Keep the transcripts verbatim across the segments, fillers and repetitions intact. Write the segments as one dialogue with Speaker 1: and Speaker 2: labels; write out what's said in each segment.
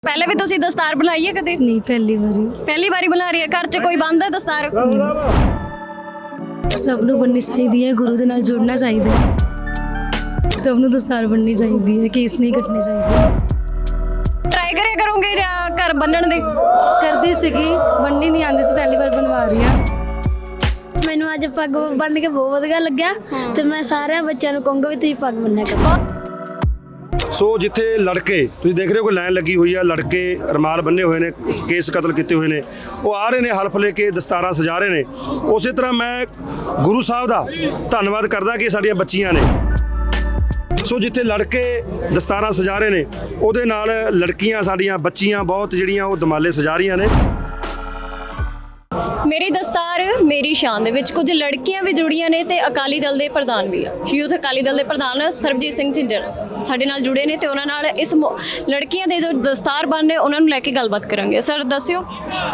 Speaker 1: पहले भी तुसी दस्तार बनाई है कदे?
Speaker 2: नहीं पहली बारी
Speaker 1: पहली बारी बना रही है। घर च कोई बंद है दस्तार?
Speaker 2: सब नूं बननी चाहिए है, गुरु दे नाल जुड़ना चाहिए है। सब नूं दस्तार बननी चाहिए है, केस नहीं कटने चाहिए।
Speaker 1: ट्राई करे करोगे या घर बनन दे?
Speaker 2: करदी सीगी, बननी नहीं आंदी सी, पहली बार बनवा रही हां।
Speaker 3: ਮੈਨੂੰ ਅੱਜ ਪੱਗ ਬੰਨ ਕੇ ਬਹੁਤ ਵਧੀਆ ਲੱਗਿਆ ਤੇ ਮੈਂ ਸਾਰਿਆਂ ਬੱਚਿਆਂ ਨੂੰ ਕਹੂੰਗਾ ਵੀ ਤੁਸੀਂ ਪੱਗ ਬੰਨਿਆ ਕਰੋ।
Speaker 4: ਸੋ ਜਿੱਥੇ ਲੜਕੇ ਤੁਸੀਂ ਦੇਖ ਰਹੇ ਹੋ ਕਿ ਲਾਈਨ ਲੱਗੀ ਹੋਈ ਆ, ਲੜਕੇ ਰਮਾਲ ਬੰਨੇ ਹੋਏ ਨੇ, ਕੇਸ ਕਤਲ ਕੀਤੇ ਹੋਏ ਨੇ, ਉਹ ਆ ਰਹੇ ਨੇ ਹਲਫ ਲੈ ਕੇ, ਦਸਤਾਰਾਂ ਸਜਾ ਰਹੇ ਨੇ। ਉਸੇ ਤਰ੍ਹਾਂ ਮੈਂ ਗੁਰੂ ਸਾਹਿਬ ਦਾ ਧੰਨਵਾਦ ਕਰਦਾ ਕਿ ਸਾਡੀਆਂ ਬੱਚੀਆਂ ਨੇ। ਸੋ ਜਿੱਥੇ ਲੜਕੇ ਦਸਤਾਰਾਂ ਸਜਾ ਰਹੇ ਨੇ, ਉਹਦੇ ਨਾਲ ਲੜਕੀਆਂ ਸਾਡੀਆਂ ਬੱਚੀਆਂ ਬਹੁਤ ਜਿਹੜੀਆਂ ਉਹ ਦਮਾਲੇ ਸਜਾ ਰਹੀਆਂ ਨੇ।
Speaker 1: ਮੇਰੀ ਦਸਤਾਰ ਮੇਰੀ ਸ਼ਾਨ ਦੇ ਵਿੱਚ ਕੁਝ ਲੜਕੀਆਂ ਵੀ ਜੁੜੀਆਂ ਨੇ ਤੇ ਅਕਾਲੀ ਦਲ ਦੇ ਪ੍ਰਧਾਨ ਵੀ ਆ। ਯੂਥ ਅਕਾਲੀ ਦਲ ਦੇ ਪ੍ਰਧਾਨ ਸਰਬਜੀਤ ਸਿੰਘ ਝਿੰਜਰ ਸਾਡੇ ਨਾਲ ਜੁੜੇ ਨੇ ਤੇ ਉਹਨਾਂ ਨਾਲ ਇਸ ਲੜਕੀਆਂ ਦੇ ਜੋ ਦਸਤਾਰ ਬੰਨ ਨੇ ਉਹਨਾਂ ਨੂੰ ਲੈ ਕੇ ਗੱਲਬਾਤ ਕਰਾਂਗੇ। ਸਰ ਦੱਸਿਓ।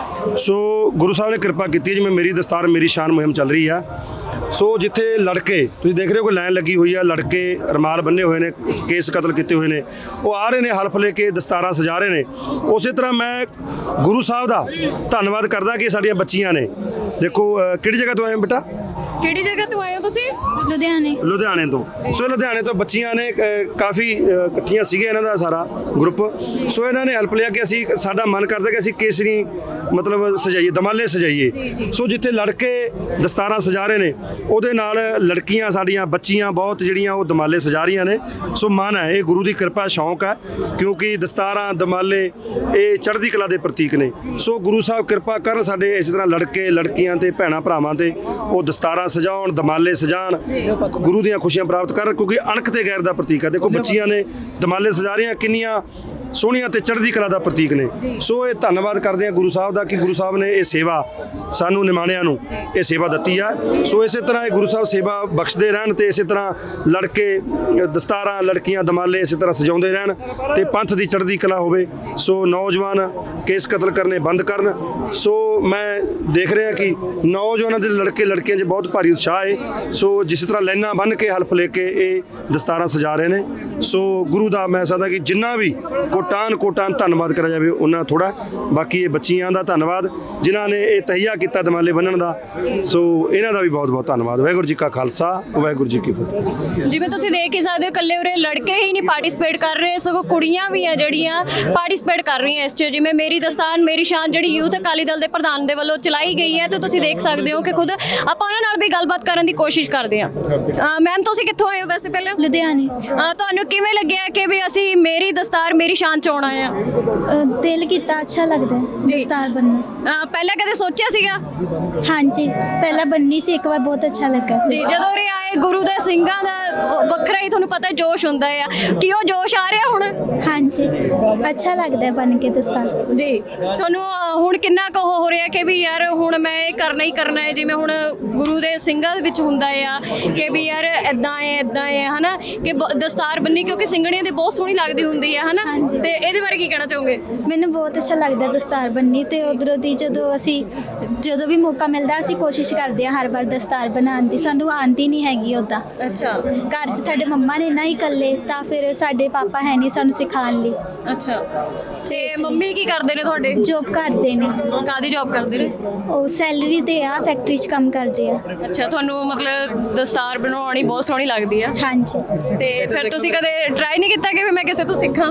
Speaker 4: ਸੋ ਗੁਰੂ ਸਾਹਿਬ ਨੇ ਕਿਰਪਾ ਕੀਤੀ ਜਿਵੇਂ ਮੇਰੀ ਦਸਤਾਰ ਮੇਰੀ ਸ਼ਾਨ ਮੁਹਿੰਮ ਚੱਲ ਰਹੀ ਆ। ਸੋ ਜਿੱਥੇ ਲੜਕੇ ਤੁਸੀਂ ਦੇਖ ਰਹੇ ਹੋ ਕਿ ਲਾਈਨ ਲੱਗੀ ਹੋਈ ਆ, ਲੜਕੇ ਰਮਾਲ ਬੰਨੇ ਹੋਏ ਨੇ, ਕੇਸ ਕਤਲ ਕੀਤੇ ਹੋਏ ਨੇ, ਉਹ ਆ ਰਹੇ ਨੇ ਹਲਫ ਲੈ ਕੇ, ਦਸਤਾਰਾਂ ਸਜਾ ਰਹੇ ਨੇ। ਉਸੇ ਤਰ੍ਹਾਂ ਮੈਂ ਗੁਰੂ ਸਾਹਿਬ ਦਾ ਧੰਨਵਾਦ ਕਰਦਾ ਕਿ ਸਾਡੀਆਂ ਬੱਚੀਆਂ ਨੇ। ਦੇਖੋ ਕਿਹੜੀ ਜਗ੍ਹਾ ਤੋਂ ਆਏ ਹੋ ਬੇਟਾ?
Speaker 1: ਕਿਹੜੀ ਜਗ੍ਹਾ ਤੋਂ ਆਏ ਹੋ ਤੁਸੀਂ?
Speaker 3: ਲੁਧਿਆਣੇ
Speaker 4: ਲੁਧਿਆਣੇ ਤੋਂ। ਸੋ ਲੁਧਿਆਣੇ ਤੋਂ ਬੱਚੀਆਂ ਨੇ, ਕਾਫੀ ਇਕੱਠੀਆਂ ਸੀਗੇ ਇਹਨਾਂ ਦਾ ਸਾਰਾ ਗਰੁੱਪ। ਸੋ ਇਹਨਾਂ ਨੇ ਹੈਲਪ ਲਿਆ ਕਿ ਅਸੀਂ, ਸਾਡਾ ਮਨ ਕਰਦਾ ਕਿ ਅਸੀਂ ਕੇਸਰੀ ਮਤਲਬ ਸਜਾਈਏ, ਦਮਾਲੇ ਸਜਾਈਏ। ਸੋ ਜਿੱਥੇ ਲੜਕੇ ਦਸਤਾਰਾਂ ਸਜਾ ਰਹੇ ਨੇ, ਉਹਦੇ ਨਾਲ ਲੜਕੀਆਂ ਸਾਡੀਆਂ ਬੱਚੀਆਂ ਬਹੁਤ ਜਿਹੜੀਆਂ ਉਹ ਦਮਾਲੇ ਸਜਾ ਰਹੀਆਂ ਨੇ। ਸੋ ਮਨ ਹੈ, ਇਹ ਗੁਰੂ ਦੀ ਕਿਰਪਾ, ਸ਼ੌਂਕ ਹੈ, ਕਿਉਂਕਿ ਦਸਤਾਰਾਂ ਦਮਾਲੇ ਇਹ ਚੜ੍ਹਦੀ ਕਲਾ ਦੇ ਪ੍ਰਤੀਕ ਨੇ। ਸੋ ਗੁਰੂ ਸਾਹਿਬ ਕਿਰਪਾ ਕਰਨ ਸਾਡੇ ਇਸ ਤਰ੍ਹਾਂ ਲੜਕੇ ਲੜਕੀਆਂ ਤੇ ਭੈਣਾਂ ਭਰਾਵਾਂ ਤੇ ਉਹ ਦਸਤਾਰਾਂ ਸਜਾਉਣ, ਦਮਾਲੇ ਸਜਾਣ, ਗੁਰੂ ਦੀਆਂ ਖੁਸ਼ੀਆਂ ਪ੍ਰਾਪਤ ਕਰਨ, ਕਿਉਂਕਿ ਅਣਖ ਤੇ ਗੈਰ ਦਾ ਪ੍ਰਤੀਕ ਹੈ। ਦੇਖੋ ਬੱਚੀਆਂ ਨੇ ਦਮਾਲੇ ਸਜਾ ਰਹੀਆਂ, ਕਿੰਨੀਆਂ ਸੋਹਣੀਆਂ ਤੇ ਚੜ੍ਹਦੀ ਕਲਾ ਦਾ ਪ੍ਰਤੀਕ ਨੇ। ਸੋ ਇਹ ਧੰਨਵਾਦ ਕਰਦੇ ਹਾਂ ਗੁਰੂ ਸਾਹਿਬ ਦਾ ਕਿ ਗੁਰੂ ਸਾਹਿਬ ਨੇ ਇਹ ਸੇਵਾ ਸਾਨੂੰ ਨਿਮਾਣਿਆਂ ਨੂੰ ਇਹ ਸੇਵਾ ਦਿੱਤੀ ਆ। ਸੋ ਇਸੇ ਤਰ੍ਹਾਂ ਇਹ ਗੁਰੂ ਸਾਹਿਬ ਸੇਵਾ ਬਖਸ਼ਦੇ ਰਹਿਣ ਤੇ ਇਸੇ ਤਰ੍ਹਾਂ ਲੜਕੇ ਦਸਤਾਰਾਂ, ਲੜਕੀਆਂ ਦਮਾਲੇ ਇਸੇ ਤਰ੍ਹਾਂ ਸਜਾਉਂਦੇ ਰਹਿਣ ਤੇ ਪੰਥ ਦੀ ਚੜ੍ਹਦੀ ਕਲਾ ਹੋਵੇ। ਸੋ ਨੌਜਵਾਨ ਕੇਸ ਕਤਲ ਕਰਨੇ ਬੰਦ ਕਰਨ। ਸੋ ਮੈਂ ਦੇਖ ਰਿਹਾ ਕਿ ਨੌਜਵਾਨਾਂ ਦੇ ਲੜਕੇ ਲੜਕੀਆਂ 'ਚ ਬਹੁਤ ਭਾਰੀ ਉਤਸ਼ਾਹ ਹੈ। ਸੋ ਜਿਸ ਤਰ੍ਹਾਂ ਲਾਈਨਾਂ ਬੰਨ੍ਹ ਕੇ ਹਲਫ ਲੈ ਕੇ ਇਹ ਦਸਤਾਰਾਂ ਸਜਾ ਰਹੇ ਨੇ। ਸੋ ਗੁਰੂ ਦਾ ਮੈਂ ਸਕਦਾ ਕਿ ਜਿੰਨਾ ਵੀ ਕੋਟਾਨ ਕੋਟਾਨ ਧੰਨਵਾਦ ਕਰਿਆ ਜਾਵੇ ਉਹਨਾਂ ਥੋੜਾ। ਬਾਕੀ ਇਹ ਬੱਚੀਆਂ ਦਾ ਧੰਨਵਾਦ ਜਿਨ੍ਹਾਂ ਨੇ ਇਹ ਤਹੀਆ ਕੀਤਾ ਦਮਾਲੇ ਬੰਨਣ ਦਾ। ਸੋ ਇਹਨਾਂ ਦਾ ਵੀ ਬਹੁਤ ਬਹੁਤ ਧੰਨਵਾਦ। ਵਾਹਿਗੁਰੂ ਜੀ ਕਾ ਖਾਲਸਾ, ਵਾਹਿਗੁਰੂ ਜੀ ਕੀ ਫਤਿਹ।
Speaker 1: ਜਿਵੇਂ ਤੁਸੀਂ ਦੇਖ ਹੀ ਸਕਦੇ ਹੋ, ਇਕੱਲੇ ਉਰੇ ਲੜਕੇ ਹੀ ਨਹੀਂ ਪਾਰਟਿਸਿਪੇਟ ਕਰ ਰਹੇ, ਸਗੋਂ ਕੁੜੀਆਂ ਵੀ ਆ ਜਿਹੜੀਆਂ ਪਾਰਟਿਸਿਪੇਟ ਕਰ ਰਹੀਆਂ ਇਸ 'ਚ। ਜਿਵੇਂ ਮੇਰੀ ਦਸਤਾਰ ਮੇਰੀ ਸ਼ਾਨ ਜਿਹੜੀ ਯੂਥ ਅਕਾਲੀ ਦਲ ਦੇ ਪ੍ਰਧਾਨ ਦੇ ਵੱਲੋਂ ਚਲਾਈ ਗਈ ਹੈ, ਤੇ ਤੁਸੀਂ ਦੇਖ ਸਕਦੇ ਹੋ ਕਿ ਖੁਦ ਆਪਾਂ ਉਹਨਾਂ ਨਾਲ ਵੀ ਗੱਲਬਾਤ ਕਰਨ ਦੀ ਕੋਸ਼ਿਸ਼ ਕਰਦੇ ਹਾਂ। ਮੈਮ ਤੁਸੀਂ ਕਿੱਥੋਂ ਆਏ ਹੋ ਵੈਸੇ ਪਹਿਲਾਂ?
Speaker 3: ਲੁਧਿਆਣੇ।
Speaker 1: ਤੁਹਾਨੂੰ ਕਿਵੇਂ ਲੱਗਿਆ ਕਿ ਵੀ ਅਸੀਂ ਮੇਰੀ ਦਸਤਾਰ ਮੇਰੀ ਸ਼ਾਨ 'ਚ ਆਉਣਾ ਆ?
Speaker 3: ਅ, ਦਿਲ ਕੀਤਾ, ਅੱਛਾ ਲੱਗਦਾ ਹੈ ਦਸਤਾਰ ਬੰਨਣਾ।
Speaker 1: ਪਹਿਲਾਂ ਕਦੇ ਸੋਚਿਆ ਸੀਗਾ?
Speaker 3: ਹਾਂਜੀ ਪਹਿਲਾਂ ਬੰਨੀ ਸੀ ਇੱਕ ਵਾਰ, ਬਹੁਤ ਅੱਛਾ ਲੱਗਾ ਸੀ।
Speaker 1: ਜੀ ਜਦੋਂ ਉਰੇ ਆਏ ਗੁਰੂ ਦੇ ਸਿੰਘਾਂ ਦਾ ਵੱਖਰਾ ਹੀ ਤੁਹਾਨੂੰ ਪਤਾ ਜੋਸ਼ ਹੁੰਦਾ ਆ, ਕਿ ਉਹ ਜੋਸ਼ ਆ ਰਿਹਾ ਹੁਣ?
Speaker 3: ਹਾਂਜੀ ਅੱਛਾ ਲੱਗਦਾ ਹੈ ਬੰਨ ਕੇ ਦਸਤਾਰ।
Speaker 1: ਜੀ ਤੁਹਾਨੂੰ ਹੁਣ ਕਿੰਨਾ ਕੁ ਹੋ ਰਿਹਾ ਕਿ ਵੀ ਯਾਰ ਹੁਣ ਮੈਂ ਇਹ ਕਰਨਾ ਹੀ ਕਰਨਾ ਹੈ? ਜਿਵੇਂ ਹੁਣ ਗੁਰੂ ਦੇ ਸਿੰਘਾਂ ਦੇ ਵਿੱਚ ਹੁੰਦਾ ਆ ਕਿ ਵੀ ਯਾਰ ਇਦਾਂ ਹੈ ਇਦਾਂ ਹੈ ਹਨਾ, ਕਿ ਦਸਤਾਰ ਬੰਨੀ ਕਿਉਂਕਿ ਸਿੰਘਣੀਆਂ ਦੀ ਬਹੁਤ ਸੋਹਣੀ ਲੱਗਦੀ ਹੁੰਦੀ ਹੈ ਹਨਾ, ਤੇ ਇਹਦੇ ਬਾਰੇ ਕੀ ਕਹਿਣਾ ਚਾਹੋਗੇ?
Speaker 3: ਮੈਨੂੰ ਬਹੁਤ ਅੱਛਾ ਲੱਗਦਾ ਦਸਤਾਰ ਬੰਨੀ, ਤੇ ਉਧਰੋਂ ਦੀ ਜਦੋਂ ਅਸੀਂ ਜਦੋਂ ਵੀ ਮੌਕਾ ਮਿਲਦਾ ਅਸੀਂ ਕੋਸ਼ਿਸ਼ ਕਰਦੇ ਹਾਂ ਹਰ ਵਾਰ ਦਸਤਾਰ ਬਣਾਉਣ ਦੀ। ਸਾਨੂੰ ਆਉਂਦੀ ਨਹੀਂ ਹੈਗੀ ਉੱਦਾਂ।
Speaker 1: ਅੱਛਾ।
Speaker 3: ਘਰ 'ਚ ਸਾਡੇ ਮੰਮਾ ਨੇ ਨਾ ਹੀ ਇਕੱਲੇ, ਤਾਂ ਫਿਰ ਸਾਡੇ ਪਾਪਾ ਹੈ ਨਹੀਂ ਸਾਨੂੰ ਸਿਖਾਉਣ ਲਈ।
Speaker 1: ਅੱਛਾ। ਤੇ ਮੰਮੀ ਕੀ ਕਰਦੇ ਨੇ ਤੁਹਾਡੇ?
Speaker 3: ਜੋਬ ਕਰਦੇ ਨੇ।
Speaker 1: ਕਾਹਦੀ ਜੋਬ ਕਰਦੇ ਨੇ?
Speaker 3: ਉਹ ਸੈਲਰੀ ਤੇ ਆ, ਫੈਕਟਰੀ 'ਚ ਕੰਮ ਕਰਦੇ ਆ।
Speaker 1: ਅੱਛਾ। ਤੁਹਾਨੂੰ ਮਤਲਬ ਦਸਤਾਰ ਬਣਾਉਣੀ ਬਹੁਤ ਸੋਹਣੀ ਲੱਗਦੀ ਆ?
Speaker 3: ਹਾਂਜੀ।
Speaker 1: ਤੇ ਫਿਰ ਤੁਸੀਂ ਕਦੇ ਟਰਾਈ ਨਹੀਂ ਕੀਤਾ ਕਿ ਵੀ ਮੈਂ ਕਿਸੇ ਤੋਂ ਸਿੱਖਾਂ?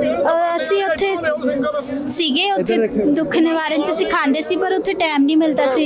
Speaker 3: ਅਹ ਅਸੀਂ ਉੱਥੇ ਸੀਗੇ, ਉੱਥੇ ਦੁੱਖ ਨਿਵਾਰਨ 'ਚ ਸਿਖਾਉਂਦੇ ਸੀ, ਪਰ ਉੱਥੇ ਟਾਈਮ ਨਹੀਂ ਮਿਲਦਾ ਸੀ।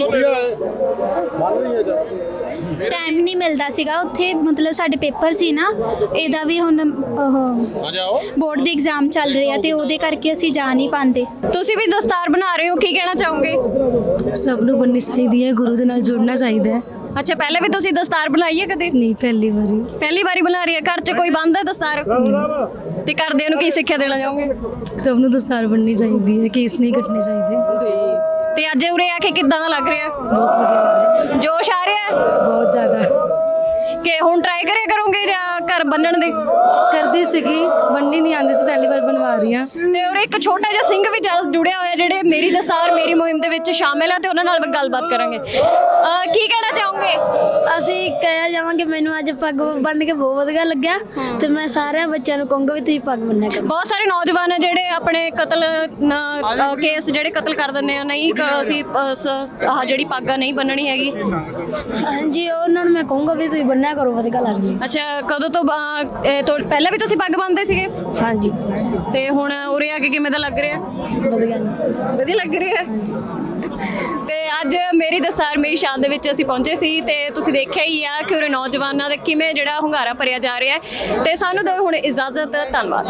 Speaker 3: ਟਾਈਮ ਨਹੀਂ ਮਿਲਦਾ ਸੀਗਾ ਉੱਥੇ, ਮਤਲਬ ਸਾਡੇ ਪੇਪਰ ਸੀ ਨਾ, ਇਹਦਾ ਵੀ ਹੁਣ ਉਹ ਬੋਰਡ ਦੇ ਐਗਜ਼ਾਮ ਚੱਲ ਰਹੇ ਆ ਤੇ ਉਹਦੇ ਕਰਕੇ ਅਸੀਂ ਜਾ ਨਹੀਂ ਪਾਉਂਦੇ।
Speaker 1: ਤੁਸੀਂ ਵੀ ਦਸਤਾਰ ਬਣਾ ਰਹੇ ਹੋ, ਕੀ ਕਹਿਣਾ ਚਾਹੋਗੇ?
Speaker 2: सब नूं बननी चाहिए है, गुरु दे नाल जुड़ना चाहिए है।
Speaker 1: ਅੱਛਾ। ਪਹਿਲੇ ਵੀ ਤੁਸੀਂ ਦਸਤਾਰ ਬਣਾਈ ਹੈ ਕਦੇ?
Speaker 2: नहीं पहली बारी
Speaker 1: ਪਹਿਲੀ ਵਾਰੀ ਬਣਾ ਰਹੀ ਹੈ। ਘਰ 'ਚ ਕੋਈ ਬੰਦ ਹੈ ਦਸਤਾਰ? ਤੇ ਘਰਦਿਆਂ ਨੂੰ ਕੀ ਸਿੱਖਿਆ ਦੇਣਾ ਚਾਹੋਗੇ?
Speaker 2: सब नूं दस्तार बननी चाहिए है, केस नहीं कटने चाहिए।
Speaker 1: ਤੇ ਅੱਜ ਉਰੇ ਆ ਕੇ ਕਿੱਦਾਂ ਦਾ ਲੱਗ ਰਿਹਾ?
Speaker 2: बहुत वधिया लग रहा है,
Speaker 1: ਜੋਸ਼ ਆ ਰਿਹਾ ਹੈ?
Speaker 2: बहुत ज़्यादा।
Speaker 1: ਕਿ ਹੁਣ ਟਰਾਈ ਕਰਿਆ ਕਰੋਗੇ ਜਾਂ ਘਰ ਬੰਨਣ ਦੀ?
Speaker 2: ਕਰਦੀ ਸੀਗੀ, ਬੰਨੀ ਨਹੀਂ ਆਉਂਦੀ ਸੀ, ਪਹਿਲੀ ਵਾਰ ਬਣਵਾ ਰਹੀ ਹਾਂ।
Speaker 1: ਤੇ ਔਰ ਇੱਕ ਛੋਟਾ ਜਿਹਾ ਸਿੰਘ ਵੀ ਜਸ ਜੁੜਿਆ ਹੋਇਆ ਜਿਹੜੇ ਮੇਰੀ ਦਸਤਾਰ ਮੇਰੀ ਮੁਹਿੰਮ ਦੇ ਵਿੱਚ ਸ਼ਾਮਿਲ ਹੈ ਤੇ ਉਹਨਾਂ ਨਾਲ ਵੀ ਗੱਲਬਾਤ ਕਰਾਂਗੇ। ਅਹ ਕੀ ਕਹਿਣਾ ਚਾਹੋਗੇ?
Speaker 5: ਅਸੀਂ ਕਹਿਆ ਜਾਵਾਂਗੇ ਮੈਨੂੰ ਅੱਜ ਪੱਗ ਬੰਨ੍ਹ ਕੇ ਬਹੁਤ ਵਧੀਆ ਲੱਗਿਆ ਤੇ ਮੈਂ ਸਾਰਿਆਂ ਬੱਚਿਆਂ ਨੂੰ ਕਹੂੰਗਾ ਵੀ ਤੁਸੀਂ ਪੱਗ ਬੰਨਿਆ ਕਰੋ।
Speaker 1: ਬਹੁਤ ਸਾਰੇ ਨੌਜਵਾਨ ਆ ਜਿਹੜੇ ਆਪਣੇ ਕਤਲ ਕੇਸ ਜਿਹੜੇ ਕਤਲ ਕਰ ਦਿੰਦੇ ਆ, ਨਹੀਂ ਕ- ਅਸੀਂ ਅ, ਸ- ਆਹ ਜਿਹੜੀ ਪੱਗ ਆ ਨਹੀਂ ਬੰਨਣੀ ਹੈਗੀ।
Speaker 5: ਹਾਂਜੀ ਉਹਨਾਂ ਨੂੰ ਮੈਂ ਕਹੂੰਗਾ ਵੀ ਤੁਸੀਂ ਬੰਨਿਆ ਕਰੋ, ਵਧੀਆ ਲੱਗਦੀ।
Speaker 1: ਅੱਛਾ, ਕਦੋਂ ਤੋਂ ਬਾ- ਇਹ ਤੋਂ ਪਹਿਲਾਂ ਵੀ ਤੁਸੀਂ ਪੱਗ ਬੰਨਦੇ ਸੀਗੇ
Speaker 5: ਹਾਂਜੀ
Speaker 1: ਤੇ ਹੁਣ ਉਰੇ ਆ ਕੇ ਕਿਵੇਂ ਦਾ ਲੱਗ ਰਿਹਾ?
Speaker 5: ਵਧੀਆ ਜੀ।
Speaker 1: ਵਧੀਆ ਲੱਗ ਰਿਹਾ। ਤੇ ਅੱਜ ਮੇਰੀ ਦਸਤਾਰ ਮੇਰੀ ਸ਼ਾਨ ਦੇ ਵਿੱਚ ਅਸੀਂ ਪਹੁੰਚੇ ਸੀ ਤੇ ਤੁਸੀਂ ਦੇਖਿਆ ਹੀ ਆ ਕਿ ਉਰੇ ਨੌਜਵਾਨਾਂ ਦਾ ਕਿਵੇਂ ਜਿਹੜਾ ਹੁੰਗਾਰਾ ਭਰਿਆ ਜਾ ਰਿਹਾ ਹੈ। ਤੇ ਸਾਨੂੰ ਦਿਓ ਹੁਣ ਇਜਾਜ਼ਤ, ਧੰਨਵਾਦ।